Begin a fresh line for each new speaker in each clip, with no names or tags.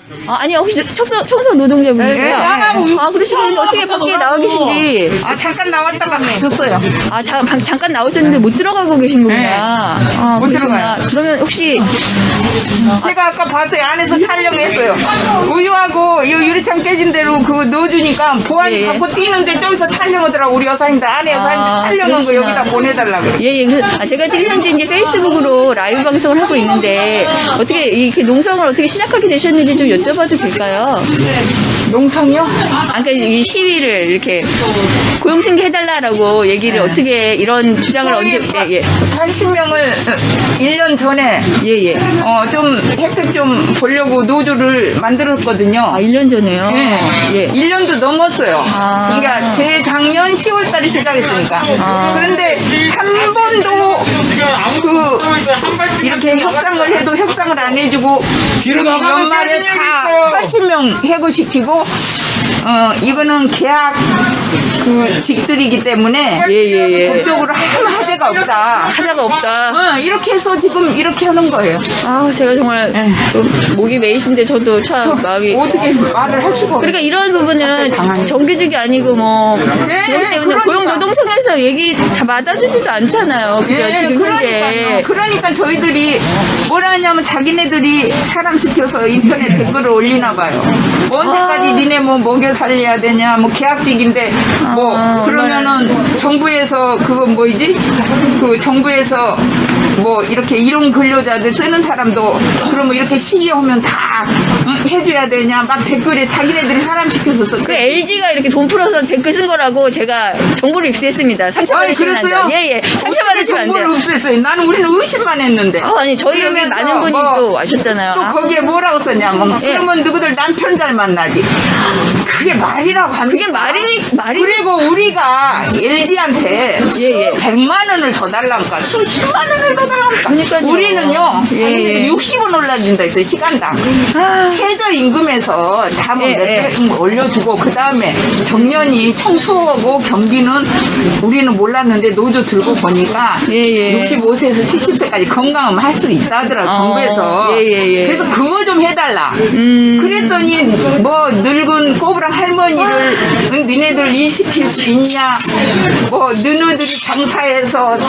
아니 혹시 청소 노동자분이세요?
네, 나가고
아 그러시면 어떻게 밖에 나와 계신지.
잠깐 나왔다가 졌어요.
잠깐 나오셨는데 못 들어가고 계신 거구나.
네.
아,
못
그러시구나.
들어가요.
그러면 혹시
제가 아까 봤어요. 안에서 촬영했어요. 우유하고 이 유리창 깨진 대로 그거 넣어주니까 보안이
예.
갖고 뛰는데 저기서 촬영하더라고. 우리 여사님들 안에 여사님들 촬영한 거
그러시구나.
여기다 보내달라고.
예, 그래서 제가 지금 현재 이제 페이스북으로 라이브 방송을 하고 있는데 어떻게 이렇게 농성을 어떻게 시작하게 되셨는지 좀 여쭤봐도 될까요?
농성이요?
그러니까 이 시위를 이렇게 고용승계 해달라라고 얘기를 어떻게 이런 주장을 언제
80명을 1년 전에
예.
좀 혜택 좀 보려고 노조를 만들었거든요.
1년 전에요.
예. 1년도 넘었어요.
아.
그러니까 재작년 10월 달에 시작했으니까. 그런데 한 번도 이렇게 협상을 해도 협상을 안 해주고 연말에 다 80명 해고시키고 이거는 계약 직들이기 때문에
예.
법적으로 아무 하자가 없다.
하자가 없다.
이렇게 해서 지금 이렇게 하는 거예요.
제가 정말 좀 목이 메이신데 저도 참 마음이.
어떻게 말을 할 수가 없어요.
그러니까 이런 부분은 정규직이 아니고 그렇기 때문에 고용노동청에서 얘기 다 받아주지도 않잖아요. 그죠? 지금 현재.
그러니까 저희들이 뭐라 하냐면 자기네들이 사람 시켜서 인터넷 댓글을 올리나 봐요. 언제까지 니네 뭐 먹여 살려야 되냐, 뭐 계약직인데 그러면은 정부에서 그거 뭐지? 그 정부에서 뭐 이렇게 이용 근로자들 쓰는 사람도 그러면 이렇게 시기하면 다 해줘야 되냐 막 댓글에 자기네들이 사람 시켜서 썼어요.
그 LG가 이렇게 돈 풀어서 댓글 쓴 거라고 제가 정보를 입수했습니다. 상처받으시면 안 돼요. 예. 상처받으시면 안 돼요.
정보를 없앴어요. 나는 우리는 의심만 했는데.
아니 저희 여기
그러면서
많은 분이 또 와셨잖아요.
또 거기에 뭐라고 썼냐면 그러면 누구들 남편 잘 만나지. 그게 말이라고 합니까?
그게 말이
그리고 우리가 LG한테 100만 원을 더 달라니까 수십만 원을 더 달라니까.
그러니까요.
우리는요.
예.
60원 올라준다 했어요. 시간당. 최저임금에서 다뭐 몇백 올려주고 그 다음에 정년이 청소하고 경비는 우리는 몰랐는데 노조 들고 보니까 65세에서 70세까지 건강하면 할 수 있다 하더라고 정부에서. 그래서 그거 좀 해달라. 그랬더니 뭐 늙은 꼬부랑 할머니를 니네들 일시킬 수 있냐, 뭐 너네들이 장사해서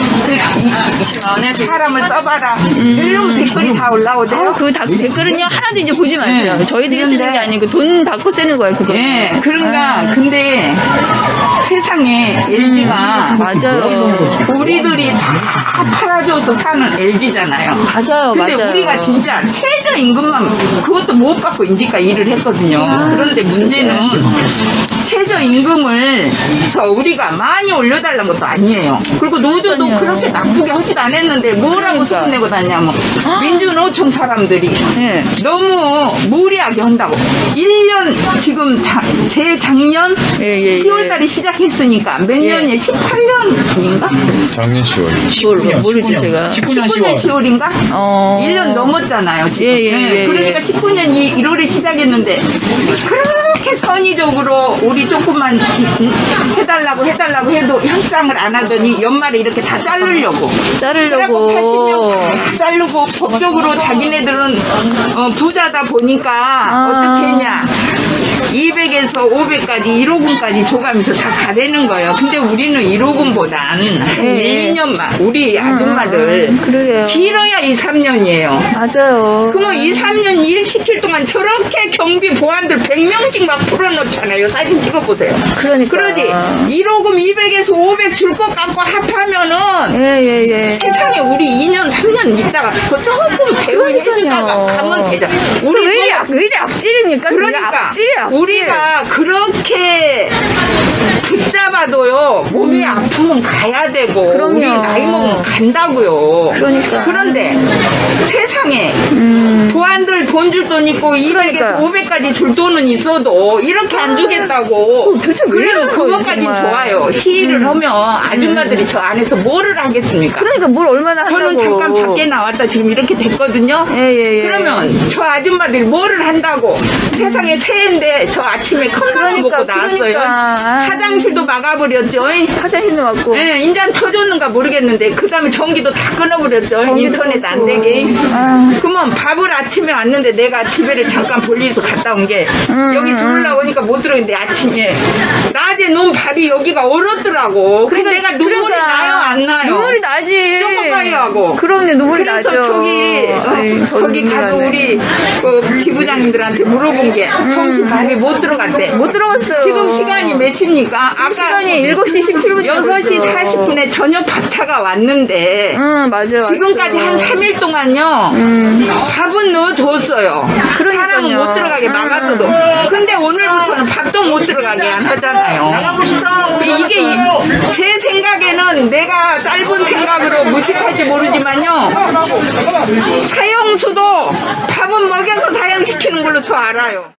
사람을 써봐라 이런 댓글이 다 올라오대요.
그 댓글은요 하나도 이제 보지 마세요. 저희들이 쓰는 게 아니고 돈 받고 쓰는 거예요. 그거.
그러니까 근데 세상에 LG가
맞아요.
우리들이 다 팔아줘서 사는 LG잖아요.
맞아요.
근데 우리가 진짜 최저임금만 그것도 못 받고 인디가 일을 했거든요. 그런데 문제는 최저임금을 우리가 많이 올려달라는 것도 아니에요. 그리고 노조도 그렇게 나쁘게 하지도 않았는데 뭐라고 소문내고 다니냐면 민주노총 사람들이 너무 무리하게 한다고. 1년 지금 재작년 10월달에 시작했으니까 몇 년이에요? 18년인가?
작년 10월.
모르죠 제가.
19년 10월인가? 1년 넘었잖아요 지금. 그러니까 19년 1월에 시작했는데 그렇게 선의적으로 우리 조금만 해달라고 해도 협상을 안 하더니 연말에 이렇게 다 자르려고 80명 다 자르고 법적으로 자기네들은 부자다 보니까 어떻게 했냐 200에서 500까지 1호금까지 줘가면서 다 가려는 거예요. 근데 우리는 1호금보단 1, 2년만 우리 아줌마들 길어야 2, 3년이에요.
맞아요.
그러면 2, 3년 일 시킬 동안 저렇게 경비 보안들 100명씩 막 풀어놓잖아요. 사진 찍어보세요.
그러니까.
그러지 1호금 200에서 500 줄 것 같고 합하면은 세상에 우리 2년 3년 있다가 그 조금 대우해주다가 가면 되죠.
우리 왜 이리 악질입니까?
그러니까
악질.
우리가 그렇게 붙잡아도요 몸이 아프면 가야 되고 우리 나이 먹으면 간다고요. 그런데 세상에 보안들 돈 줄 돈 있고 200에서 500까지 줄 돈은 있어도 이렇게 안 주겠다고.
도대체 왜
그래도 그것까진 좋아요. 시위를 하면 아줌마들이 저 안에서 뭐를 하겠습니까?
그러니까 뭘 얼마나 한다고.
저는 잠깐 밖에 나왔다 지금 이렇게 됐거든요. 그러면 저 아줌마들이 뭐를 한다고. 세상에 새해인데 저 아침에 컵라면 먹고 나왔어요.
그러니까.
화장실도 막아버렸죠.
화장실도 맞고.
예, 인자는 터졌는가 모르겠는데 그 다음에 전기도 다 끊어버렸죠.
전기도
인터넷 안
끊고.
되게.
아.
그러면 밥을 아침에 왔는데 내가 집에를 잠깐 볼일에서 갔다 온 게 여기 들어오려고 하니까 못 들어오는데 아침에 낮에 놓은 밥이 여기가 얼었더라고. 그래서 내가 눈물이 나요 안 나요?
눈물이 나지.
쪼꼬파이 하고.
그럼요, 눈물이
그래서
나죠.
저기 가서 우리 그 지부장님들한테 물어본 게 점심 밥이 못 들어갔대.
못 들어갔어요.
지금 시간이 몇 시입니까?
지금 시간이 7시 17분.
6시 40분에 저녁 밥차가 왔는데
응, 맞아요.
지금까지 한 3일 동안요 밥은 넣어줬어요.
그러니까요.
사람은 못 들어가게 막았어도. 근데 오늘부터는 밥도 못 들어가게 안 하잖아요. 이게 제 생각에는 내가 짧은 생각으로 무식할지 모르지만요 사형수도 밥은 먹여서 사형시키는 걸로 저 알아요.